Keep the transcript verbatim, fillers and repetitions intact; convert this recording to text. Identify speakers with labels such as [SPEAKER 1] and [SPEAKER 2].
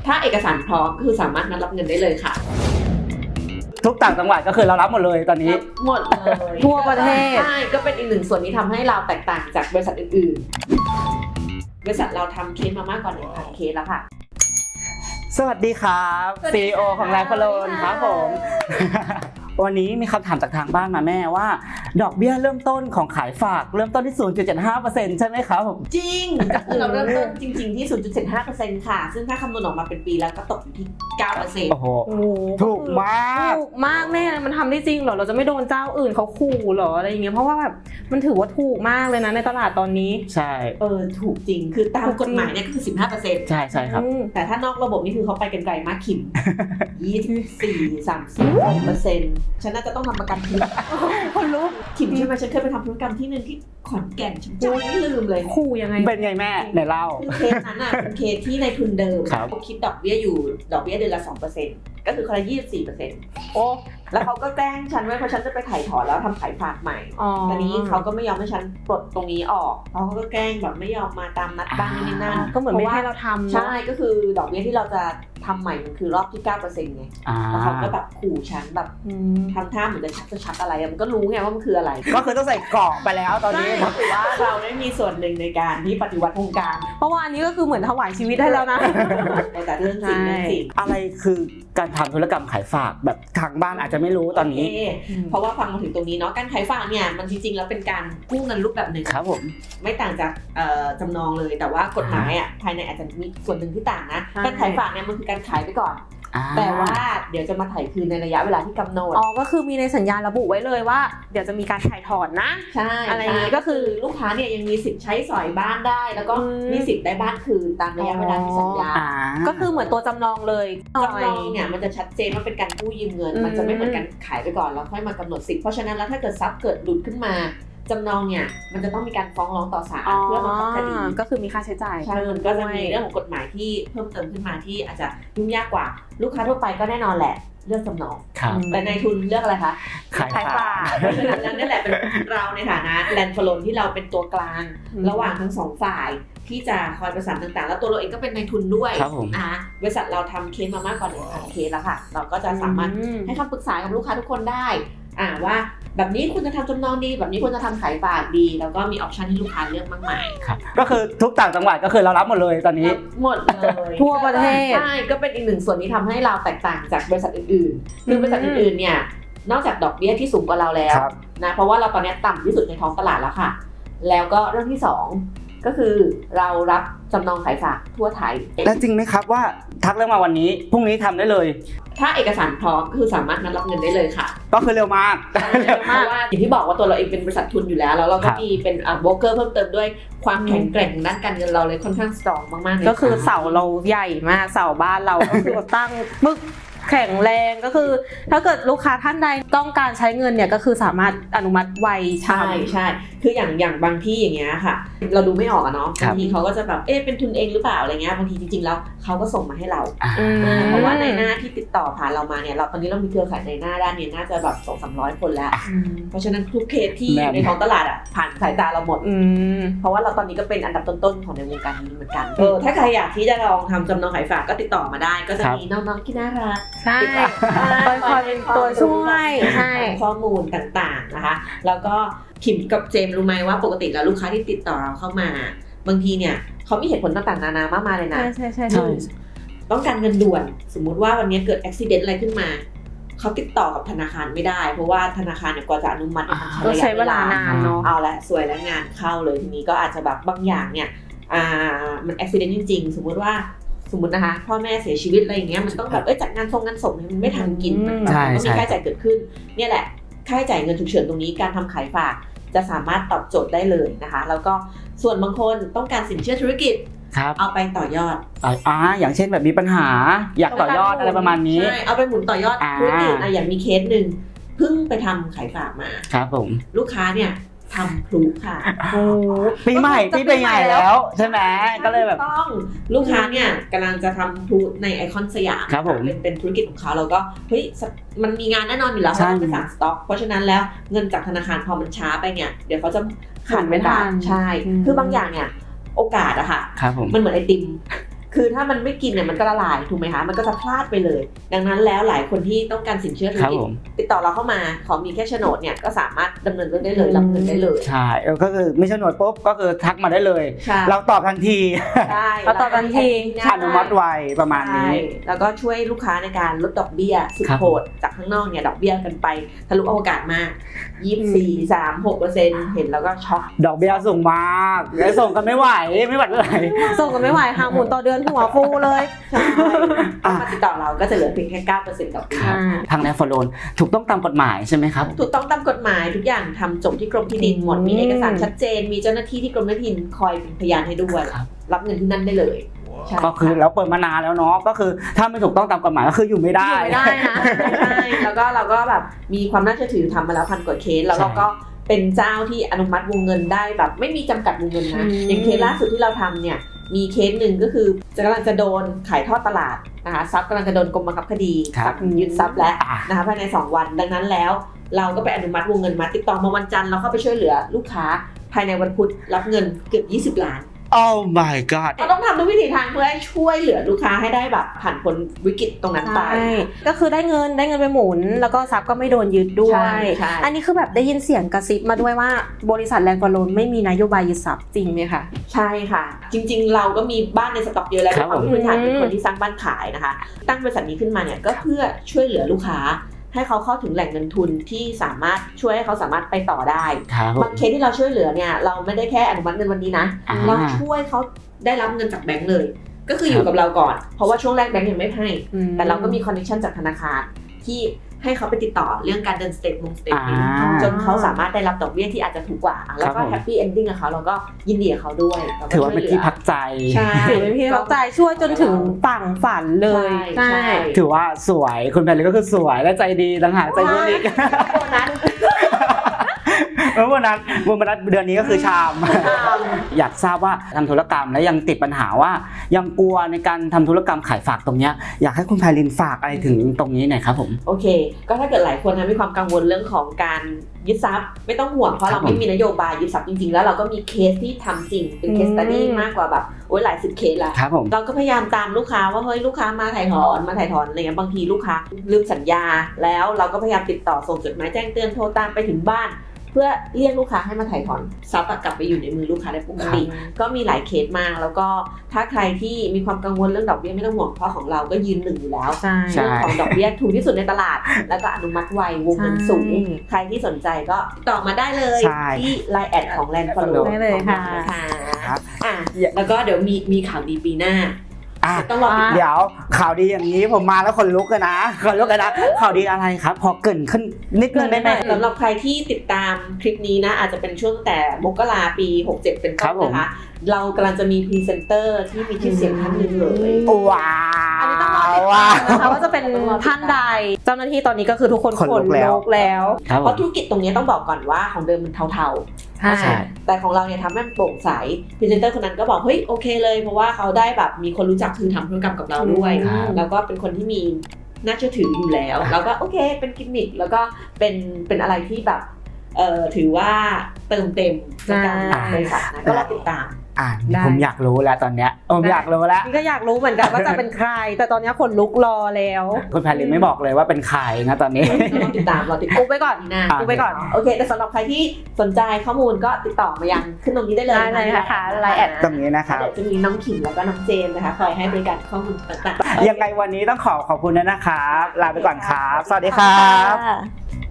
[SPEAKER 1] ถ้าเอกสารพร้อมก็คือสามารถนัดรับเงินได้เลยค่ะ
[SPEAKER 2] ทุกต่างจังหวัดก็คือเรารับหมดเลยตอนนี้
[SPEAKER 1] หมดเลย
[SPEAKER 3] ทั่วประเทศ
[SPEAKER 1] ใช่ก็เป็นอีกหนึ่งส่วนที่ทำให้เราแตกต่างจากบริษัทอื่นๆบริษัทเราทำเคสมามากกว่าหนึ่งพันเคสแล้วค่ะ
[SPEAKER 2] สวัสดีครับ ซี อี โอ ของไลฟ์โลนครับผมวันนี้มีคำถามจากทางบ้านมาแม่ว่าดอกเบี้ยเริ่มต้นของขายฝากเริ่มต้นที่ ศูนย์จุดเจ็ดห้าเปอร์เซ็นต์ ใช่ไหมครับผม
[SPEAKER 1] จริงก็คือเราเริ่มต้นจริงๆที่ ศูนย์จุดเจ็ดห้าเปอร์เซ็นต์ ค่ะซึ่งถ้าคำนวณออกมาเป็นปีแล้วก็ตกอยู่ที่ เก้าเปอร์เซ็นต์
[SPEAKER 2] โอ้โหถูกมาก
[SPEAKER 3] ถูกมากแม่มันทำได้จริงเหรอเราจะไม่โดนเจ้าอื่นเขาขู่เหรออะไรอย่างเงี้ยเพราะว่าแบบมันถือว่าถูกมากเลยนะในตลาดตอนนี้
[SPEAKER 2] ใช่
[SPEAKER 1] เออถูกจริงคือตามกฎหมายเนี่ยก็คือ สิบห้าเปอร์เซ็นต์
[SPEAKER 2] ใช่ใช่ครับ
[SPEAKER 1] แต่ถ้านอกระบบนี่คือเขาไปกันไกลมากขิม ยี่สิบสี่ สามสิบหกเปอร์เซ็นต์ ฉันน่าจะต้องทำประกันทุก
[SPEAKER 3] คนรู้
[SPEAKER 1] ขิมใช่ไหมฉันเคยไปทำธุรกรรมที่นึงที่ขอนแก่นฉันจำไม่ลืมเลย
[SPEAKER 3] ขู่ยังไง
[SPEAKER 2] เป็นไงแม่ไหนเล่า
[SPEAKER 1] คือเคสนั้นอ่ะเป็นเคสที่ในทุนเดิมเขาคิดดอกเบี้ยอยู่ดอกเบี้ยเดือนละ สองเปอร์เซ็นต์ ก็คือคนละ ยี่สิบสี่เปอร์เซ็นต์ โอ้แล้วเขาก็แกล้งฉันไว้เพราะฉันจะไปถ่ายถอนแล้วทำขายฝากใหม่ตอนนี้เขาก็ไม่ยอมให้ฉันปลดตรงนี้ออกเพราะเขาก็แกล้งแบบไม่ยอมมาตามนัดบ้างนี่นั่น
[SPEAKER 3] ก็เหมือนไม่ให้เราทำ
[SPEAKER 1] ใช่ก็คือดอกเบี้ยที่เราจะทำใหม่มันคือรอบที่ เก้าเปอร์เซ็นต์ ไงแล้วเขาก็แบบขู่ฉันแบบทำท่าเหมือนจะชักจะชักอะไรมันก็รู้ไงว่ามันคืออะไร
[SPEAKER 2] ก็คือต้องใส่กรอบไปแล้วตอนนี้
[SPEAKER 1] ถือว่าเราได้มีส่วนหนึ่งในการที่ปฏิวัติวงการ
[SPEAKER 3] เพราะว่าอันนี้ก็คือเหมือนถวายชีวิตให้แล้วนะ
[SPEAKER 1] แต่เรื่องจริงเรื่องจริง
[SPEAKER 2] อะไรคือการทำธุรกรรมขายฝากแบบทางบ้านอาจจะไม่รู้ตอนนี้
[SPEAKER 1] เพราะว่าฟังมาถึงตรงนี้เนาะการขายฝากเนี่ยมันจริงๆแล้วเป็นการกู้เงินรูปแบบหนึ่ง
[SPEAKER 2] ครับผม
[SPEAKER 1] ไม่ต่างจากจำนองเลยแต่ว่ากฎหมายอ่ะภายในอาจจะมีส่วนหนึ่งที่ต่างนะการขายฝากเนี่ยมันคือการขายไปก่อนแต่ว่าเดี๋ยวจะมาถ่ายคืนในระยะเวลาที่กำหนด
[SPEAKER 3] อ๋อก็คือมีในสัญญาระบุไว้เลยว่าเดี๋ยวจะมีการถ่ายถอนนะ
[SPEAKER 1] ใช่
[SPEAKER 3] อะไรอย่างนี้ก็คือ
[SPEAKER 1] ลูกค้าเนี่ยยังมีสิทธิ์ใช้สอยบ้านได้แล้วก็มีสิทธิ์ได้บ้านคืนตามระยะเวลาที่สัญญา
[SPEAKER 3] ก็คือเหมือนตัวจำนองเลย
[SPEAKER 1] จำนองเนี่ยมันจะชัดเจนว่าเป็นการกู้ยืมเงินมันจะไม่เหมือนกันขายไปก่อนแล้วค่อยมากำหนดสิทธิ์เพราะฉะนั้นแล้วถ้าเกิดทรัพย์เกิดหลุดขึ้นมาจำนองเนี่ยมันจะต้องมีการฟ้องร้องต่อศาลเพื่อบังคับคดี
[SPEAKER 3] ก็คือมีค่าใช้จ่าย
[SPEAKER 1] ใช่มันก็จะมีเรื่องของกฎหมายที่เพิ่มเติมขึ้นมาที่อาจจะยุ่งยากกว่าลูกค้าทั่วไปก็แน่นอนแหละเลือกจำนองแต่นายทุนเลือกอะไรคะ
[SPEAKER 2] ขายฝาก
[SPEAKER 1] เพราะฉะนั้นนั่นแหละเป็นเราในฐานะแลนด์ฟลอนที่เราเป็นตัวกลางระหว่างทั้งสองฝ่ายที่จะคอยประสานต่างๆแล้วตัวเราเองก็เป็นนายทุนด้วยนะคะบริษัทเราทำเคสมามากกว่าหนึ่งพันเคสแล้วค่ะเราก็จะสามารถให้คำปรึกษากับลูกค้าทุกคนได้อ่าว่าแบบนี้คุณจะทำจำนองดีแบบนี้คุณจะทำขายฝากดีแล้วก็มีออปชันให้ลูกค้าเลือกมากมาย
[SPEAKER 2] ครับก็คือทุกต่างจังหวัดก็คือเรารับหมดเลยตอนนี้
[SPEAKER 1] หมดเลย
[SPEAKER 3] ทั่วประเทศ
[SPEAKER 1] ใช่ก็เป็นอีกหนึ่งส่วนที่ทำให้เราแตกต่างจากบริษัทอื่นๆคือบริษัทอื่นๆเนี่ยนอกจากดอกเบี้ยที่สูงกว่าเราแล้วนะเพราะว่าเราตอนนี้ต่ำที่สุดในท้องตลาดแล้วค่ะแล้วก็เรื่องที่สองก็คือเรารับจำนองขายฝากทั่วไทย
[SPEAKER 2] แล้วจริงไหมครับว่าทักเรื่องมาวันนี้พรุ่งนี้ทำได้เลย
[SPEAKER 1] ถ้าเอกสารพร้อมคือสามารถนัดรับเงินได้เลยค่ะ
[SPEAKER 2] ก็คือเร็วมาก
[SPEAKER 1] เพราะว่าอย่างที่บอกว่าตัวเราเองเป็นบริษัททุนอยู่แล้วแล้วเราก็มีเป็นอ่าโบรกเกอร์เพิ่มเติมด้วยความแข็งแกร่งด้านการเงินเราเลยค่อนข้างสตรองมากๆเลย
[SPEAKER 3] ก็คือเสาเราใหญ่มากเสาบ้านเราก็คือตั้งมึกแข็งแรงก็คือถ้าเกิดลูกค้าท่านใดต้องการใช้เงินเนี่ยก็คือสามารถอนุมัติไว
[SPEAKER 1] ใช่ใช่คืออย่างอย่างบางที่อย่างเงี้ยค่ะเราดูไม่ออกอะเนาะบางทีเขาก็จะแบบเอ๊ะเป็นทุนเองหรือเปล่าอะไรเงี้ยบางทีจริงๆแล้วเขาก็ส่งมาให้เราเพราะว่าในหน้าที่ติดต่อผ่านเรามาเนี่ยเราตอนนี้เรามีเครือข่ายในหน้าด้านนี้น่าจะแบบสองสามร้อยคนแล้วเพราะฉะนั้นทุกเคสที่ในท้องตลาดอะผ่านสายตาเราหมดเพราะว่าเราตอนนี้ก็เป็นอันดับต้นๆของในวงการนี้เหมือนกันเออถ้าใครอยากที่จะลองทำจำนองขายฝากก็ติดต่อมาได้ก็จะมีน้องๆที่น่ารัก
[SPEAKER 3] ใช่คอยเป็นตัวช่วยใช่
[SPEAKER 1] ข้อมูลต่างๆนะคะแล้วก็ขิมกับเจมรู้ไหมว่าปกติแล้วลูกค้าที่ติดต่อเราเข้ามาบางทีเนี่ยเขามีเหตุผลต่างๆนานามากมายเลยนะ
[SPEAKER 3] ใช่ใช่ใช่
[SPEAKER 1] ต้องการเงินด่วนสมมุติว่าวันนี้เกิดอุบัติเหตุอะไรขึ้นมาเขาติดต่อกับธนาคารไม่ได้เพราะว่าธนาคารเนี่ยกว่าจะอนุมัติ
[SPEAKER 3] มันใช้เวลานานเนาะ
[SPEAKER 1] เอาละสวยแล้วงานเข้าเลยทีนี้ก็อาจจะแบบบางอย่างเนี่ยอ่ามันอุบัติเหตุจริงๆสมมุติว่าสมมตินะคะพ่อแม่เสียชีวิตอะไรอย่างเงี้ยมันต้องแบบเอ้ยจัดงานทรงงานศพมันไม่ทันกินมันต้องมีค่าใช้จ่ายเกิดขึ้นเนี่ยแหละค่าใช้จ่ายเงินฉุกเฉินตรงนี้การทำขายฝากจะสามารถตอบโจทย์ได้เลยนะคะแล้วก็ส่วนบางคนต้องการสินเชื่อธุรกิจเอาไปต่อยอด
[SPEAKER 2] อ่าอย่างเช่นแบบมีปัญหาอยากต่อยอดอะไรประมาณนี้
[SPEAKER 1] ใช่เอาไปหมุนต่อยอดธุรกิจอ่ะอย่างมีเคสหนึ่งเพิ่งไปทำขายฝากมา
[SPEAKER 2] ครับผม
[SPEAKER 1] ลูกค้าเนี่ยทำพลุค่ะ
[SPEAKER 2] ปีใหม่ปีใหม่แล้วใช่ไหมก็เลยแบบ
[SPEAKER 1] ต้องลูกค้าเนี่ยกำลังจะทำพลุในไอคอนสยามเป็นเป็นธุรกิจของเขาเราก็เฮ้ยมันมีงานแน่นอนอยู่แล้วเขาต้องไปสั่งสต็อกเพราะฉะนั้นแล้วเงินจากธนาคารพอมันช้าไปเนี่ยเดี๋ยวเขาจะขาดไม่ทันใช่คือบางอย่างเนี่ยโอกาสอะค่ะมันเหมือนไอติมคือถ้ามันไม่กินเนี่ยมันก็ละลายถูกไหมคะมันก็จะพลาดไปเลย ดังนั้นแล้วหลายคนที่ต้องการสินเชื่อธุรกิจติดต่อเราเข้ามาขอมีแค่โฉนดเนี่ยก็สามารถดำเนินเรื่องได้เลยรับเงินได้เลย
[SPEAKER 2] ใช่ก็คือมีโฉนดปุ๊บก็คือทักมาได้เลยเราตอบทันที
[SPEAKER 1] ใช่
[SPEAKER 3] เราตอบทันที
[SPEAKER 2] อนุมัติไวประมาณนี้
[SPEAKER 1] แล้วก็ช่วยลูกค้าในการลดดอกเบี้ยสุดโหดจากข้างนอกเนี่ยดอกเบี้ยกันไปทะลุอวกาศมากยี่สิบสี่ สาม หกเปอร์เซ็นต์ เห็นแล้วก็ช็อก
[SPEAKER 2] ดอกเบี้ยสูงมากแล้วส่งกันไม่ไหวไม่ไหวเลย
[SPEAKER 3] ส่งกันไม่ไหวหาหมุนต่อเดือนหัวฟูเลย
[SPEAKER 1] ใช่มาติดต่อเราก็จะเหลือเพียงแค่ เก้าเปอร์เซ็นต์ ต่อปี
[SPEAKER 2] ทางแนฟโลนถูกต้องตามกฎหมายใช่ไหมครับ
[SPEAKER 1] ถูกต้องตามกฎหมายทุกอย่างทำจบที่กรมที่ดินหมดมีเอกสารชัดเจนมีเจ้าหน้าที่ที่กรมที่ดินคอยเป็นพยานให้ด้วยรับเงินที่นั่นได้เลย
[SPEAKER 2] ก็คือเราเปิดมานานแล้วเนาะก็คือถ้าไม่ถูกต้องตามกฎหมายก็คืออยู่ไม่ได้
[SPEAKER 1] อยู่ไม่ได้นะใช่แล้วก็เราก็แบบมีความน่าเชื่อถือทำมาแล้วพันกว่าเคสแล้วเราก็เป็นเจ้าที่อนุมัติวงเงินได้แบบไม่มีจำกัดวงเงินนะอย่างเคสล่าสุดที่เราทำเนี่ยมีเคสหนึ่งก็คือจะกำลังจะโดนขายทอดตลาดนะคะทรัพย์กำลังจะโดนกรมบังคับคดียึดทรัพย์แล้วนะคะภายในสองวันดังนั้นแล้วเราก็ไปอนุมัติวงเงินมาติดต่อมาวันจันทร์เราเข้าไปช่วยเหลือลูกค้าภายในวันพุธรับเงินเกือบยี่สิบล้าน
[SPEAKER 2] Oh my god
[SPEAKER 1] เราต้องทำทุกวิถีทางเพื่อให้ช่วยเหลือลูกค้าให้ได้แบบผ่านพ้นวิกฤตตรงนั้นไป
[SPEAKER 3] ก็คือได้เงินได้เงินไปหมุนแล้วก็ทรัพย์ก็ไม่โดนยึดด้วยอันนี้คือแบบได้ยินเสียงกระซิบมาด้วยว่าบริษัทแลนด์ฟอร์โลนไม่มีนโยบายยึดทรัพย์จริงไหมคะ
[SPEAKER 1] ใช่ค่ะจริงๆเราก็มีบ้านในสต็อกเยอะแล้วความพื้นฐานเป็นคนที่สร้างบ้านขายนะคะตั้งบริษัทนี้ขึ้นมาเนี่ยก็เพื่อช่วยเหลือลูกค้าให้เขาเข้าถึงแหล่งเงินทุนที่สามารถช่วยให้เขาสามารถไปต่อได้บางเคสที่เราช่วยเหลือเนี่ยเราไม่ได้แค่อนุมัติเงินวันนี้นะเราช่วยเขาได้รับเงินจากแบงก์เลยก็คืออยู่กับเราก่อนเพราะว่าช่วงแรกแบงก์ยังไม่ให้แต่เราก็มีคอนเนคชั่นจากธนาคารที่ให้เขาไปติดต่อเรื่องการเดินสเตทมงสเตทเมนต์จนเขาสามารถได้รับดอกเบี้ยที่อาจจะถูกกว่าแล้วก็แฮปปี้เอนดิ้งกับเขาเราก็ยินดีกับเขาด้วย
[SPEAKER 2] ถือว่าเป็นที่พักใจ
[SPEAKER 3] ใช่ถือเป็นที่พักใจช่วยจนถึงฝั่งฝันเลย
[SPEAKER 1] ใช่
[SPEAKER 2] ถือว่าสวยคุณแพรรี่ก็คือสวยและใจดีต่างหากใจบุญอีก
[SPEAKER 1] โบนัส
[SPEAKER 2] เมื่อวันนั้นวันนั้นเดือนนี้ก็คือชามอยากทราบว่าทำธุรกรรมแล้วยังติดปัญหาว่ายังกลัวในการทำธุรกรรมขายฝากตรงนี้อยากให้คุณไพลินฝากอะไรถึงตรงนี้หน่อยครับผม
[SPEAKER 1] โอเคก็ถ้าเกิดหลายคนนะมีความกังวลเรื่องของการยึดทรัพย์ไม่ต้องห่วงเพราะเราไม่มีนโยบายยึดทรัพย์จริงๆแล้วเราก็มีเคสที่ทำจริงเป็นเคสสตั๊ดดี้มากกว่าแบบโอ้ยหลายสิบเคสแล้วเราก็พยายามตามลูกค้าว่าเฮ้ยลูกค้ามาถ่ายถอนมาถ่ายถอนอะไรเงี้ยบางทีลูกค้าลืมสัญญาแล้วเราก็พยายามติดต่อส่งจดหมายแจ้งเตือนโทรตามไปถึงบ้านเพื่อเรียกลูกค้าให้มาถ่ายถอนทรัพย์กลับไปอยู่ในมือลูกค้าได้ปกติก็มีหลายเคสมากแล้วก็ถ้าใครที่มีความกังวลเรื่องดอกเบี้ยไม่ต้องห่วงเพราะของเราก็ยืนหนึ่งอยู่แล้วเรื่องของดอกเบี้ยถูกที่สุดในตลาดแล้วก็อนุมัติไววงเงินสูงใครที่สนใจก็ต่อมาได้เลยที่ ไลน์ แอดของ Land Follow
[SPEAKER 3] ได้เลยค่ะ
[SPEAKER 1] อ่ะแล้วก็เดี๋ยวมีมีข่าวดีปีหน้า
[SPEAKER 2] ต้องรอเดี๋ยวข่าวดีอย่างนี้ผมมาแล้วคนลุกกันนะคนลุกกันนะข่าวดีอะไรครับพอเกินขึ้นนิดนึงได้ไหม
[SPEAKER 1] สำหรับใครที่ติดตามคลิปนี้นะอาจจะเป็นช่วงแต่มกราปีหกสิบเจ็ดเป็นต้นนะคะเรากำลังจะมีพรีเซนเตอร์ที่มีชื่อเสียงท่านหนึ่งเลย
[SPEAKER 2] ว้าว
[SPEAKER 3] อันนี้ต้องรอติดตามนะคะว่าจะเป็นท่านใดเจ้าหน้าที่ตอนนี้ก็คือทุกคนขนลุกแล้ว
[SPEAKER 1] เพราะธุรกิจตรงนี้ต้องบอกก่อนว่าของเดิมมันเทาๆใช่แต่ของเราเนี่ยทำให้มันโปร่งใสพรีเซนเตอร์คนนั้นก็บอกเฮ้ยโอเคเลยเพราะว่าเขาได้แบบมีคนรู้จักคือทำธุรกรรมกับเราด้วยแล้วก็เป็นคนที่มีน่าเชื่อถืออยู่แล้วแล้วก็โอเคเป็นกิมมิคแล้วก็เป็นเป็นอะไรที่แบบเอ่อถือว่าเติมเต็มในการบริษัทนะก็รอติดตาม
[SPEAKER 2] อ่าผมอยากรู้แล้วตอนเนี้ยผมอยากรู้แล้ว
[SPEAKER 3] นี่ก็อยากรู้เหมือนกันว่าจะเป็นใครแต่ตอนนี้ขนลุกรอแล้ว
[SPEAKER 2] คุณแพรรี่ไม่บอกเลยว่าเป็นใครนะตอนนี้
[SPEAKER 1] รอติดตามรอติดตาม
[SPEAKER 3] อุบไปก่อนนะอุบไปก่อน
[SPEAKER 1] โอเคแต่สำหรับใครที่สนใจข้อมูลก็ติดต่อมายังขึ้นตรงนี้ได้เลย
[SPEAKER 3] ได้เลยนะคะ ไลน์ แอด
[SPEAKER 2] ตรงนี้นะคะ
[SPEAKER 1] เดี๋ยวจะมีน้องขิมแล้วก็น้องเจนนะคะคอยให้บริการข้อมูลต่าง
[SPEAKER 2] ๆยังไงวันนี้ต้องขอขอบคุณนะครับลาไปก่อนครับสวัสดีครับ